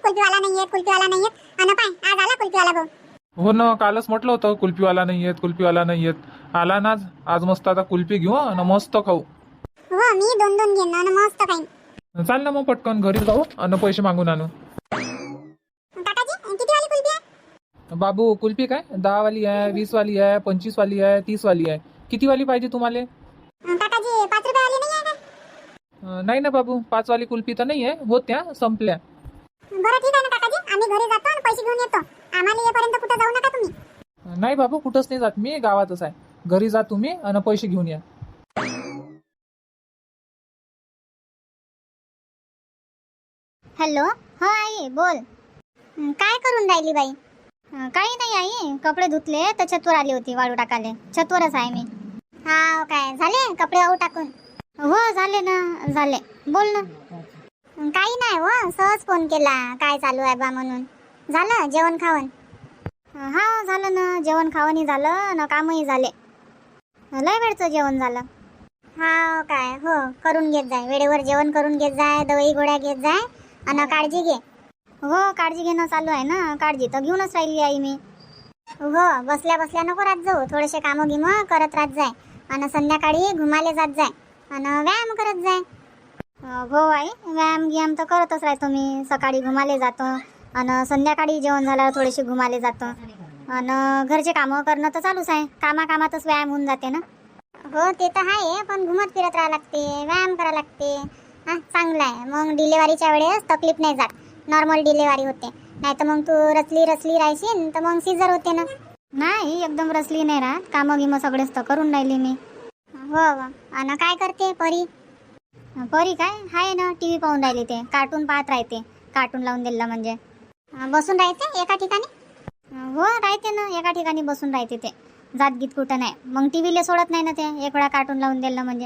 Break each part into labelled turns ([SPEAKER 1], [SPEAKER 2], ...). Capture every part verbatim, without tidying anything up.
[SPEAKER 1] कुल्फीवाला नाही येत, कुल्फीवाला नाही येत. आणि पाय आज आला कुल्फीवाला भाऊ.
[SPEAKER 2] हो ना, कालच म्हटलं होतं कुल्फीवाला नाही येत, कुल्फीवाला नाही येत. आला ना आज. आज मस्त आता कुल्फी घेऊ आणि मस्त खाऊ.
[SPEAKER 1] हो मी दोन दोन घेईन आणि मस्त खाईन.
[SPEAKER 2] चाल ना मग पटकन घरी जाऊ आणि पैसे मागून आणू.
[SPEAKER 1] काकाजी किती वाली कुल्फी आहे?
[SPEAKER 2] बाबू कुल्फी काय दहा वाली आहे, वीस वाली आहे, पंचवीस वाली आहे, तीस वाली आहे. किती वाली पाहिजे तुम्हाला?
[SPEAKER 1] काकाजी पाच रुपये वाली नाही आहे का?
[SPEAKER 2] अं, नाही ना बाबू, पाच वाली कुल्फी तर नाही आहे, होत्या संपल्या.
[SPEAKER 1] बरं ठीक आहे ना काकाजी, आम्ही घरी जातो आणि पैसे घेऊन येतो. आम्हाला येईपर्यंत कुठं जाऊ नका तुम्ही.
[SPEAKER 2] अं, नाही बाबू, कुठंच नाही जात मी, गावातच आहे. घरी जा तुम्ही आणि पैसे घेऊन या.
[SPEAKER 1] हॅलो, हो आई बोल. हं, काय करून राहिली बाई?
[SPEAKER 3] अं, काही नाही आई, कपडे धुतले तर छतवर आली होती वाळू टाकाले. छतवरच आहे मी.
[SPEAKER 1] हा काय झाले कपडे वाहू टाकून?
[SPEAKER 3] हो झाले ना, झाले. बोल ना.
[SPEAKER 1] हं, काही नाही हो, सहज फोन केला काय चालू आहे बा म्हणून. झालं जेवण खावण?
[SPEAKER 3] अं, हा झालं ना, जेवण खावणही झालं ना, कामही झाले. लय वेळचं जेवण झालं.
[SPEAKER 1] हा काय हो, करून घेत जाय वेळेवर, जेवण करून घेत जाय, दवाई गोळ्या घेत जाय आणि काळजी घे.
[SPEAKER 3] हो काळजी घेणं चालू आहे ना, काळजी तर घेऊनच राहिली आई मी.
[SPEAKER 1] हो बसल्या बसल्या नको राहत जाऊ, थोडेसे कामं गिम करत राहत जाय आणि संध्याकाळी घुमाले जात जाय आणि व्यायाम करत जाय.
[SPEAKER 3] अं, हो आई, व्यायाम गियाम तर करतच राहतो मी. सकाळी घुमाले जातो आणि संध्याकाळी जेवण झाल्यावर थोडेसे घुमाले जातो. आणि घरचे कामं करणं तर चालूच आहे. कामाकामातच व्यायाम होऊन जाते ना.
[SPEAKER 1] हो ते तर आहे, पण घुमत फिरत राहा लागते, व्यायाम करा लागते. हा चांगलं आहे, मग डिलेवरीच्या वेळेस तकलीफ नाही जात, नॉर्मल डिलेवरी होते. नाही तर मग तू रचली रचली राहशील तर मग सीझर होते ना.
[SPEAKER 3] नाही, एकदम रसली नाही राहत. कामं गिमं सगळेच तर करून राहिली मी.
[SPEAKER 1] हो हो. आणि काय करते परी?
[SPEAKER 3] परी काय आहे ना, टी व्ही पाहून राहिली. ते कार्टून पाहत राहते. कार्टून लावून दिलं म्हणजे
[SPEAKER 1] अं, बसून राहते एका ठिकाणी?
[SPEAKER 3] हो राहते ना, एका ठिकाणी बसून राहते. ते जात गीत कुठं नाही. मग टी व्हीला सोडत नाही ना ते, एक वेळा कार्टून लावून दिलं म्हणजे.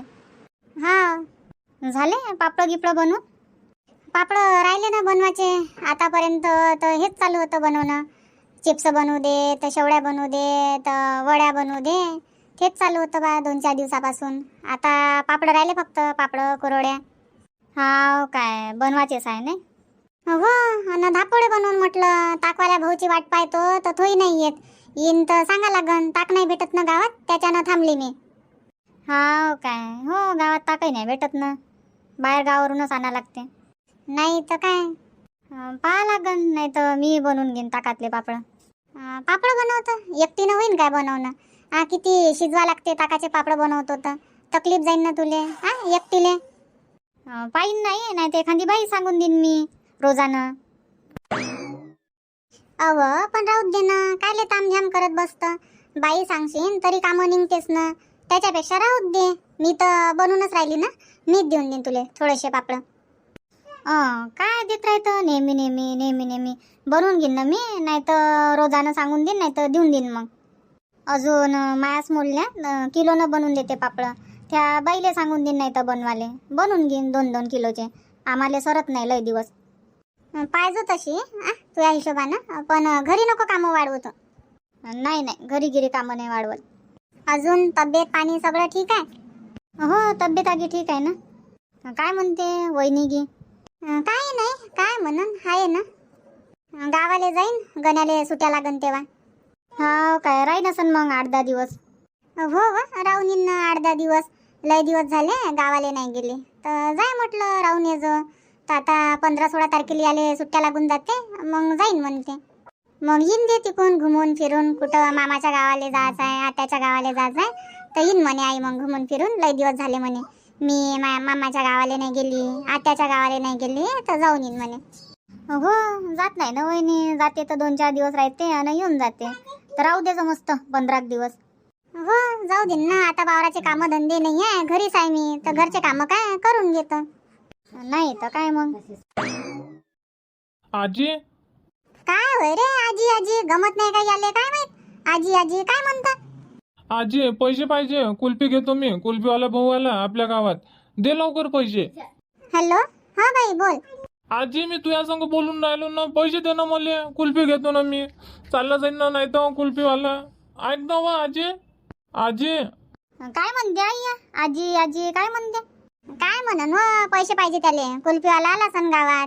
[SPEAKER 1] हा
[SPEAKER 3] झाले पापड गिपड बनवून?
[SPEAKER 1] पापड राहिले ना बनवायचे. आतापर्यंत तर हेच चालू होतं बनवणं. चिप्स बनवू दे तर शेवड्या बनवू दे तर वड्या बनवू दे, तेच चालू होतं बा दोन चार दिवसापासून. आता पापड राहिले फक्त, पापड कुरवड्या.
[SPEAKER 3] हा काय बनवायचेच आहे नाही?
[SPEAKER 1] हो आणि धापोळे बनवून म्हटलं. ताकवाल्या भाऊची वाट पाहतो तर तोही नाही येत. येईन तर सांगा लागन, ताक नाही भेटत ना गावात, त्याच्यानं थांबली मी.
[SPEAKER 3] हा काय, हो गावात ताकही नाही भेटत ना, बाहेर गावावरूनच आणा लागते.
[SPEAKER 1] नाही तर काय.
[SPEAKER 3] अं, पाहा लागन, नाही तर मी बनवून घेईन ताकातले पापड.
[SPEAKER 1] अं, पापड बनवतं एकटीनं होईन काय बनवणं? हा किती शिजवा लागते ताकाचे पापड बनवतो तर तकलीफ जाईन ना तुले, हा एकटीले.
[SPEAKER 3] अं, पाहीन नाही, नाही तर एखादी बाई सांगून देईन मी रोजानं.
[SPEAKER 1] अव पण राहू दे ना, कायले तामझाम करत बसतं. बाई सांगशीन तरी कामं निघतेस ना, त्याच्यापेक्षा राहू दे. मी तर बनवूनच राहिली ना, मीच देऊन देईन तुले थोडेसे पापड.
[SPEAKER 3] अं, काय देत राहतं नेहमी नेहमी नेहमी नेहमी. बनवून घेईन ना मी, नाही तर रोजानं सांगून देईन, नाही तर देऊन देईन. मग अजून मायास मोडल्या किलोनं बनवून देते पापड. त्या बाईले सांगून देईन, नाही तर बनवाले बनवून घेईन दोन दोन किलोचे. आम्हाला सरत नाही लय दिवस.
[SPEAKER 1] पाहिजे तशी आ तुझ्या हिशोबानं, पण घरी नको कामं वाढवतो.
[SPEAKER 3] नाही नाही, घरी गिरी कामं नाही वाढवत.
[SPEAKER 1] अजून तब्येत पाणी सगळं ठीक आहे?
[SPEAKER 3] हो तब्येत आगी ठीक आहे ना. काय म्हणते वहिनी गी?
[SPEAKER 1] अं, काय नाही, काय म्हणून आहे ना. अं, गावाले जाईन, गण्याले सुट्या लागन तेव्हा.
[SPEAKER 3] हा काय, राही नसन मग आठ दहा दिवस?
[SPEAKER 1] हो व राहून येईन ना आठ दहा दिवस. लय दिवस झाले गावाले नाही गेले, तर जाय म्हटलं राहून ये जो. तर आता पंधरा सोळा तारखेला याले सुट्ट्या लागून जाते, मग जाईन म्हणते. मग येईन दे तिकून घुमून फिरून. कुठं मामाच्या गावाले जायचं आहे, आत्याच्या गावाले जायचं आहे, तर येईन म्हणे आई मग घुमून फिरून. लय दिवस झाले म्हणे मी मा मामाच्या गावाले नाही गेली, आत्याच्या गावाले नाही गेली, तर जाऊन येईन म्हणे.
[SPEAKER 3] हो जात नाही ना वहिनी, जाते तर दोन चार दिवस राहते आणि येऊन जाते. तर राहू द्यायचं मस्त पंधरा दिवस.
[SPEAKER 1] हो जाऊ दे ना, आता वावराचे कामं धंदे नाही आहे, घरीच आहे मी, तर घरचे कामं काय करून घेतो.
[SPEAKER 3] नाही तर काय मग.
[SPEAKER 2] आजी,
[SPEAKER 1] काय होय रे आजी आजी, गमत नाही का याले काय माहित? आजी आजी काय म्हणता?
[SPEAKER 2] आजी पैसे पाहिजे, कुल्फी घेतो मी. कुल्फीवाला भाऊ आला आपल्या गावात, दे लवकर पैसे.
[SPEAKER 1] हॅलो, हा बाई बोल.
[SPEAKER 2] आजी मी तुझ्या संग बोलून राहिलो ना, पैसे दे ना मला, कुल्फी घेतो ना मी. चालला जाईन ना, नाही तर कुल्फीवाला. ऐक ना वा आजी. आजी
[SPEAKER 3] काय म्हणते आई? आजी आजी काय म्हणते?
[SPEAKER 1] काय म्हणन व, पैसे पाहिजे त्याले. कुल्फीवाला आला सन गावात.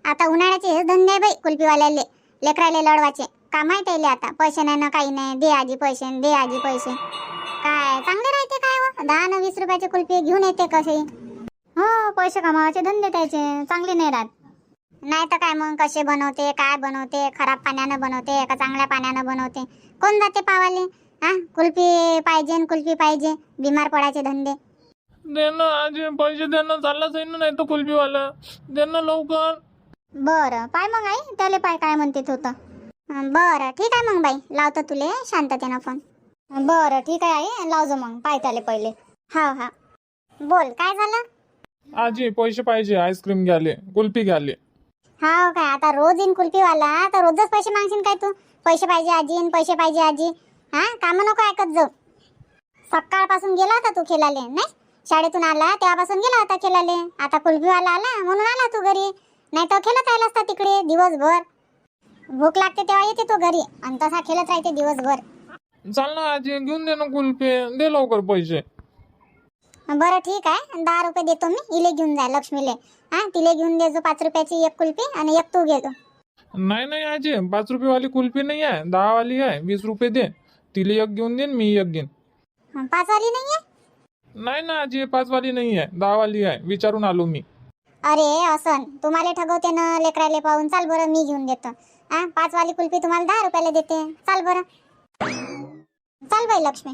[SPEAKER 1] आता उन्हाळ्याचे हेच धंदे आहे बाई कुल्फीवाल्याले, लेकराले लढवाचे. काम आहे त्याले आता. पैसे नाही ना काही नाही, दे आजी पैसे, दे आजी पैसे. काय चांगले राहते काय व? दहा न वीस रुपयाचे कुल्फी घेऊन येते कसे.
[SPEAKER 3] हो, पैसे कमावायचे धंदे त्याचे चांगले नाही राहत.
[SPEAKER 1] नाही तर काय मग, कसे बनवते, काय बनवते, खराब पाण्यानं बनवते का चांगल्या पाण्यानं बनवते, कोण जाते पावाले. हा, कुल्फी पाहिजे न कुल्फी पाहिजे, बिमार पडायचे धंदे.
[SPEAKER 2] दे ना आजी पैसे, दे ना. चालला जाईन ना नाही तर कुल्फीवाला. दे ना लवकर.
[SPEAKER 3] बरं पाय मग आई, त्याले पाय काय म्हणते ते होतं.
[SPEAKER 1] हं, बरं ठीक आहे मग बाई, लावतो तुले शांततेनं फोन.
[SPEAKER 3] बरं ठीक आहे आई, लावजो मग पाय त्याले पहिले.
[SPEAKER 1] हा हा, बोल काय झालं.
[SPEAKER 2] आजी पैसे पाहिजे, आईस्क्रीम घ्याले, कुल्फी घ्याले.
[SPEAKER 1] हा काय, आता रोज येईन कुल्फीवाला तर रोजच पैसे मागशील काय तू. पैसे पाहिजे आजी न पैसे पाहिजे आजी. हा, काम नको ऐकत जाऊ. सकाळपासून गेला होता तू खेळाले नाही, शाळेतून आला तेव्हापासून गेला होता खेळाले. आता कुल्फीवाला आला म्हणून आला तू घरी, नाही तर खेळत राहिला असता तिकडे दिवसभर. भूक लागते तेव्हा येते तो घरी आणि तसा खेळत राहते दिवसभर.
[SPEAKER 2] चाल ना आजी, घेऊन दे ना कुल्फी, दे लवकर पैसे.
[SPEAKER 1] बरं ठीक आहे, दहा रुपये देतो मी. इले घेऊन जा लक्ष्मीले. हा, तिले घेऊन दे जो पाच रुपयाची एक कुल्फी आणि एक तू घेतो.
[SPEAKER 2] नाही नाही आजी, पाच रुपये वाली कुल्फी नाही आहे, दहा वाली आहे. वीस रुपये दे. तिला एक घेऊन दे, मी एक घेईन.
[SPEAKER 1] पाच वाली नाहीये.
[SPEAKER 2] नाही ना आजी, पाच वाली नाही आहे, दहा वाली आहे. विचारून आलो मी.
[SPEAKER 1] अरे असन, तुम्हाला ठगवते ना लेकराले पाहून. चाल बरं, मी घेऊन देतो. हा, पाच वाली कुल्फी तुम्हाला दहा रुपयाला देते. चाल बरं, चाल बाई लक्ष्मी.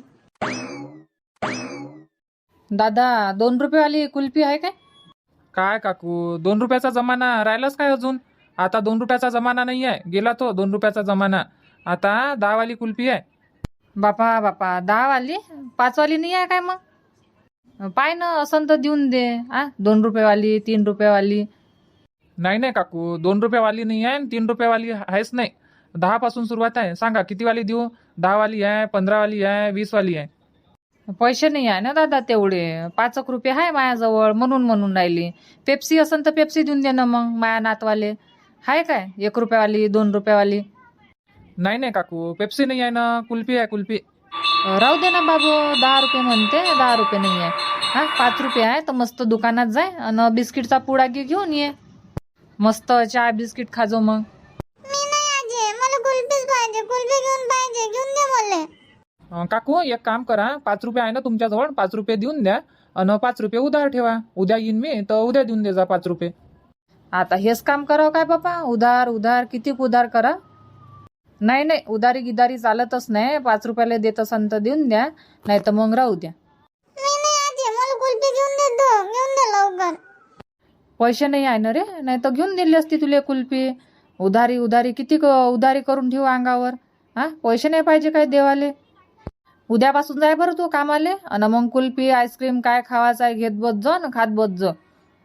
[SPEAKER 4] दादा, दोन रुपयेवाली कुल्फी आहे काय?
[SPEAKER 2] काय काकू, दोन रुपयाचा जमाना राहिलाच काय अजून? आता दोन रुपयाचा जमाना नाही आहे, गेला तो दोन रुपयाचा जमाना. आता दहा वाली कुल्फी आहे.
[SPEAKER 4] बापा बापा, दहावाली? पाचवाली नाही आहे काय मग? पाय ना, असं तर देऊन दे. आ दोन रुपयेवाली, तीन रुपयेवाली.
[SPEAKER 2] नाही नाही काकू, दोन रुपयावाली नाही आहे, तीन रुपयावाली आहेच नाही. दहा पासून सुरुवात आहे. सांगा किती वाली देऊ? दहा वाली आहे, पंधरा वाली आहे, वीस वाली आहे.
[SPEAKER 4] पैसे नाही आहे ना दादा तेवढे. पाच एक रुपये आहे माझ्याजवळ, म्हणून म्हणून राहिली. पेप्सी असन तर पेप्सी देऊन दे ना मग माया नातवाले. आहे काय एक रुपयावाली, दोन रुपयावाली?
[SPEAKER 2] नाही नाही काकू, पेप्सी नाही आहे ना, कुल्फी आहे कुल्फी.
[SPEAKER 4] राहू दे ना बाबू, दहा रुपये म्हणते, दहा रुपये नाही आहे. हा, पाच रुपये आहे तर मस्त दुकानात जाय आणि बिस्किटचा पुडा घे घेऊन ये. मस्त चहा बिस्किट खाजो मग.
[SPEAKER 1] मी नाही आजी, मला कुल्फीच पाहिजे. कुल्फी घेऊन पाहिजे, घेऊन दे मला.
[SPEAKER 2] अं, काकू एक काम करा, पाच रुपये आहे ना तुमच्याजवळ, पाच रुपये देऊन द्या आणि पाच रुपये उधार ठेवा. उद्या येईन मी तर उद्या देऊन दे जा पाच रुपये.
[SPEAKER 4] आता हेच काम करावं काय बापा? उधार उधार किती उधार करा? नाही नाही, उधारी गिदारी चालतच नाही. पाच रुपयाला देत असन तर देऊन द्या, नाही तर मग राहू द्या.
[SPEAKER 1] मी नाही आजी, मला कुल्फी घेऊन दे तू. घेऊन दे लवकर.
[SPEAKER 4] पैसे नाही आहे ना रे, नाही तर घेऊन दिली असती तुला कुल्फी. उधारी उधारी किती क- उधारी करून ठेवू अंगावर. हा, पैसे नाही पाहिजे काय देवाले? उद्यापासून जाय बरं तू कामाले आणि मग कुल्फी आईस्क्रीम काय खावायचं आहे घेत बस जा ना, खात बस जा.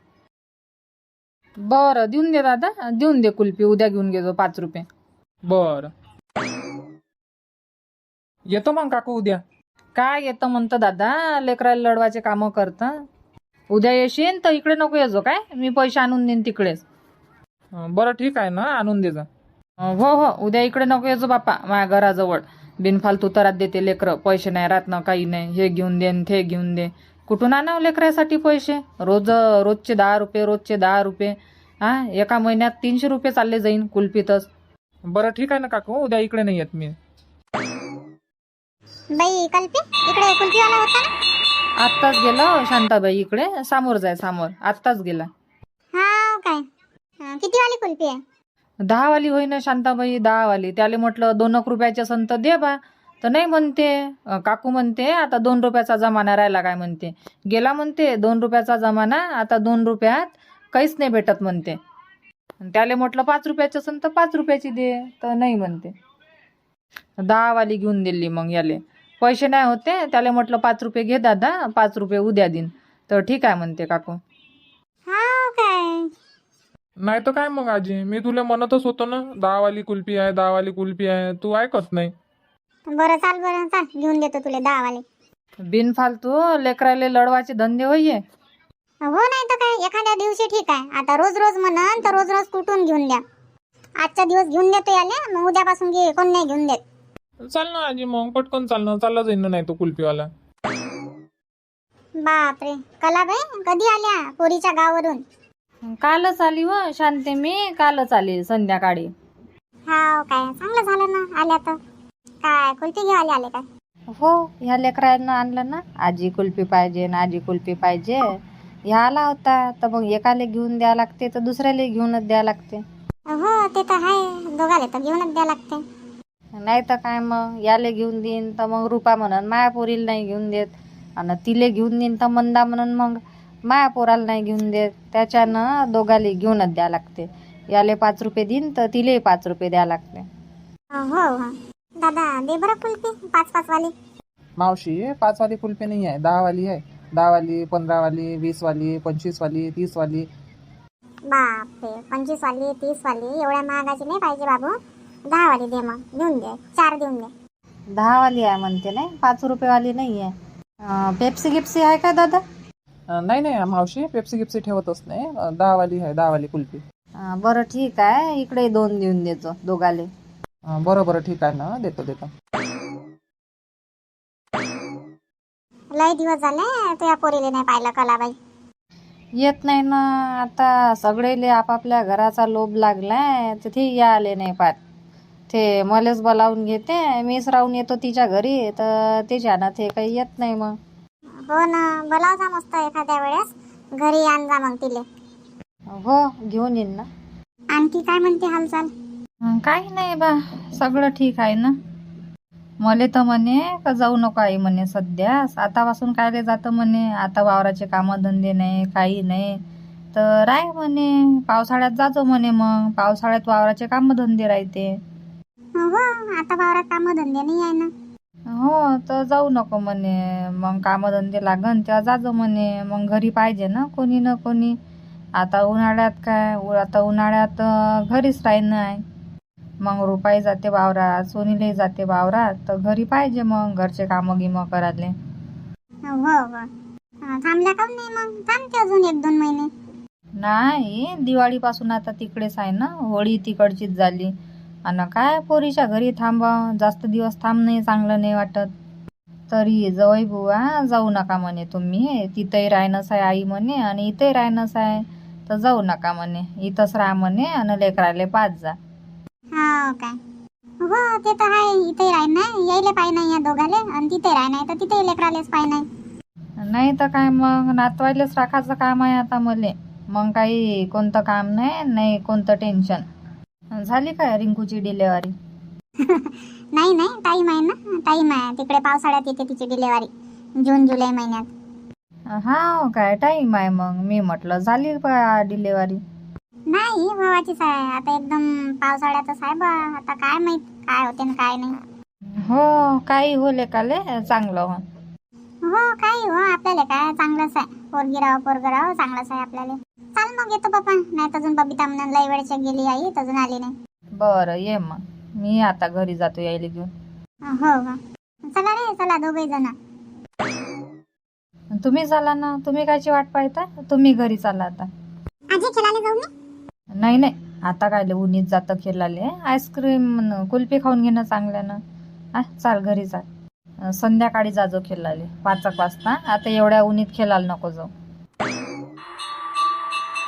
[SPEAKER 4] बरं देऊन दे दादा, देऊन दे कुल्फी. उद्या घेऊन घेतो पाच रुपये.
[SPEAKER 2] बर, येतो मग काकू उद्या.
[SPEAKER 4] काय येतं म्हणतं दादा, लेकराला लढवायचे कामं करतं. उद्या येशील तर इकडे नको येजो काय, मी पैसे आणून देईन तिकडेच.
[SPEAKER 2] अं, बरं ठीक आहे ना, आणून दे जा.
[SPEAKER 4] हो हो, उद्या इकडे नको येजो बापा माझ्या घराजवळ. बिनफालतू तरात देते लेकरं. पैसे नाही राहत ना, काही नाही. हे घेऊन दे न ते घेऊन दे. कुठून आणावं लेकरासाठी पैसे? रोज रोजचे दहा रुपये, रोजचे दहा रुपये. हा, एका महिन्यात तीनशे रुपये चालले जाईन कुल्फीतच.
[SPEAKER 2] बरं ठीक आहे ना काकू, उद्या इकडे नाही येत मी.
[SPEAKER 1] बाई कल्पी, इकडे कुल्फीवाला होता ना.
[SPEAKER 4] आत्ताच गेला शांताबाई इकडे, समोर जाय समोर. आत्ताच गेला.
[SPEAKER 1] हा काय, हं, किती वाली कुल्फी आहे.
[SPEAKER 4] दहा वाली होई ना शांताबाई, दहा वाली. त्याला म्हटलं दोन एक रुपयाचे संत दे बा, तर नाही म्हणते. अं, काकू म्हणते आता दोन रुपयाचा जमाना राहिला काय म्हणते. गेला म्हणते दोन रुपयाचा जमाना, आता दोन रुपयात काहीच नाही भेटत म्हणते. त्याला म्हटलं पाच रुपयाचे संत पाच रुपयाची दे, तर नाही म्हणते. दहा वाली घेऊन दिली मग याले. पैसे नाही होते, त्याला म्हटलं पाच रुपये घे दादा, पाच रुपये उद्या देईन. तर ठीक आहे म्हणते काकू.
[SPEAKER 1] हा काय,
[SPEAKER 2] नाही तर काय मग आजी, मी तुला म्हणतच होतो ना, दहा वाली कुल्फी आहे, दहा वाली कुल्फी आहे. तू ऐकत नाही.
[SPEAKER 1] बरं चाल, बरं चाल, घेऊन देतो तुला दहा वाले.
[SPEAKER 4] बिनफालतू लेकराले लढवायचे धंदे होईये.
[SPEAKER 1] हो नाही तर काय, एखाद्या दिवशी ठीक आहे. आता रोज रोज म्हणन तर रोज रोज कुठून घेऊन द्या. आजचा दिवस घेऊन देतो याले, मग उद्यापासून घे, कोण नाही घेऊन देत.
[SPEAKER 2] चाल ना आजी, मग पटकन चाल ना, चालला जाईन ना, नाही तो कुल्फीवाला.
[SPEAKER 1] बापरे, कलाबाई कधी आल्या पोरीच्या गावावरून.
[SPEAKER 4] कालच आली व शांते मी कालच आली संध्याकाळी.
[SPEAKER 1] हाव काय चांगलं झालं ना आल्या तर. काय कुल्फी घेवाले आले काय?
[SPEAKER 4] हो, ह्या लेकरांना आणलं ना, आजी कुल्फी पाहिजे ना आजी कुल्फी पाहिजे. ह्या आला होता तर मग एकाले घेऊन द्या लागते तर दुसऱ्याला घेऊनच द्या लागते.
[SPEAKER 1] हो ते तर आहे, दोघाले तर घेऊनच द्या लागते.
[SPEAKER 4] नाही तर काय मग याले घेऊन देईन तर मग रुपा म्हणून माया पोरीला नाही घेऊन देत, आणि तिले घेऊन देईन तर मंदा म्हणून मग माया पोराला नाही घेऊन देत. त्याच्यानं दोघाले घेऊनच द्या लागते. याले पाच रुपये देईन तर तिले पाच रुपये द्या लागते.
[SPEAKER 1] हो हो दादा दे बरं कुल्फी पाच पाच वाली.
[SPEAKER 5] मावशी पाच वाली कुल्फी नाही आहे, दहा वाली आहे. दहा वाली, पंधरा वाली, वीस वाली, पंचवीस वाली, तीस वाली.
[SPEAKER 1] बापरे, पंचवीस वाली तीस वाली एवढ्या महागाची नाही पाहिजे बाबू. दहा वाली दे मग, देऊन दे, चार देऊन दे.
[SPEAKER 4] दहा वाली आहे म्हणते नाही, पाच रुपये वाली नाही आहे. अं, पेप्सी गिप्सी आहे का दादा?
[SPEAKER 5] अं, नाही नाही मावशी, पेप्सी गिप्सी ठेवतच नाही. अं, दहा वाली आहे, दहा वाली कुल्फी.
[SPEAKER 4] अं, बरं ठीक आहे, इकडे दोन देऊन देतो दोघाले.
[SPEAKER 5] अं, बरं बरं ठीक आहे ना, देतो देतो.
[SPEAKER 1] लय दिवस झाले तुझ्या पोरीले नाही पाहिलं कलाबाई.
[SPEAKER 4] येत नाही ना, आता सगळेले आपापल्या घराचा लोभ लागलाय तर ते या आले नाही पाहत. ते मलेच बोलावून घेते, मीच राहून येतो तिच्या घरी तर त्याच्यानं ते काही येत नाही. मग
[SPEAKER 1] हो ना, बोलाव जा मस्त एखाद्या वेळेस, घरी आण जा मग तिले.
[SPEAKER 4] हो घेऊन येईन ना.
[SPEAKER 1] आणखी काय म्हणते हालचाल?
[SPEAKER 4] अं, काही नाही बा, सगळं ठीक आहे ना. मले तर म्हणे का जाऊ नको आई म्हणे सध्या, आतापासून कायले जातं म्हणे, आता वावराचे कामं धंदे नाही काही नाही तर राय म्हणे, पावसाळ्यात जातो म्हणे. मग पावसाळ्यात वावराचे कामं धंदे राहते.
[SPEAKER 1] हो आता वावरात काम धंदे नाही आहे ना.
[SPEAKER 4] हो तर जाऊ नको म्हणे, मग कामधंदे लागन तेव्हा जाजो म्हणे. मग घरी पाहिजे ना कोणी ना कोणी. आता उन्हाळ्यात काय, आता उन्हाळ्यात अं, घरीच राहीन आहे. मग रुपाई जाते वावरात, सोनीलाही जाते वावरात तर घरी पाहिजे मग घरचे कामं गिमं करायले.
[SPEAKER 1] हो हो अं, थांबल्या का नाही मग? थांबते अजून एक दोन महिने.
[SPEAKER 4] नाही, दिवाळीपासून आता तिकडेच आहे ना, होळी तिकडचीच झाली. आणि काय पोरीच्या घरी थांबा, जास्त दिवस थांब नाही, चांगलं नाही वाटत. तरी जवळ बुवा जाऊ नका म्हणे तुम्ही, तिथंही राहणंच आहे आई म्हणे आणि इथंही राहणंच आहे तर जाऊ नका म्हणे, इथंच राहा म्हणे आणि लेकराले पाच जा.
[SPEAKER 1] हो काय? हो ते तर आहे, इथे राही नाही यायले पाय नाही या दोघाले, आणि तिथे राही नाही तर तिथे लेकरालेच पाय नाही.
[SPEAKER 4] नाही तर काय मग, नातवायलेच राखायचं काम आहे आता मले. मग काही कोणतं काम नाही, नाही कोणतं टेन्शन. झाली काय रिंकूची डिलेवरी?
[SPEAKER 1] नाही नाही टाईम आहे ना, टाईम आहे. तिकडे पावसाळ्यात येते तिची डिलेवरी, जून जुलै महिन्यात.
[SPEAKER 4] हा काय टाईम आहे? मग मी म्हटलं झाली का डिलेवरी.
[SPEAKER 1] नाही भावाचीच आहे, आता एकदम पावसाळ्यातच आहे बा. आता काय माहित काय होते ना काय नाही.
[SPEAKER 4] हो काही हो लेकाले चांगलं हो.
[SPEAKER 1] हो काही हो, आपल्याला काय चांगलंच आहे. पोरगी राव पोरगं राव चांगलंच आहे आपल्याला. चाल मग येतो बाप्पा, नाही तर अजून बबिता म्हणून लई वेळच्या गेली आई, तर अजून आली नाही.
[SPEAKER 4] बरं ये मग, मी आता घरी जातो यायला घेऊन.
[SPEAKER 1] हो हो चला रे चला दोघे जण.
[SPEAKER 4] तुम्ही चाला ना, तुम्ही कायची वाट पाहता, तुम्ही घरी चाला आता.
[SPEAKER 1] आजी खेळायला जाऊ ना?
[SPEAKER 4] नाही नाही, आता काय उन्हीत जातं खेळाले, आईस्क्रीम कुल्फी खाऊन घेणं चांगल्यानं. आ चाल घरी चाल, संध्याकाळी जाजो खेळाले पाच एक वाजता, आता एवढ्या उन्हीत खेळायला नको जाऊ.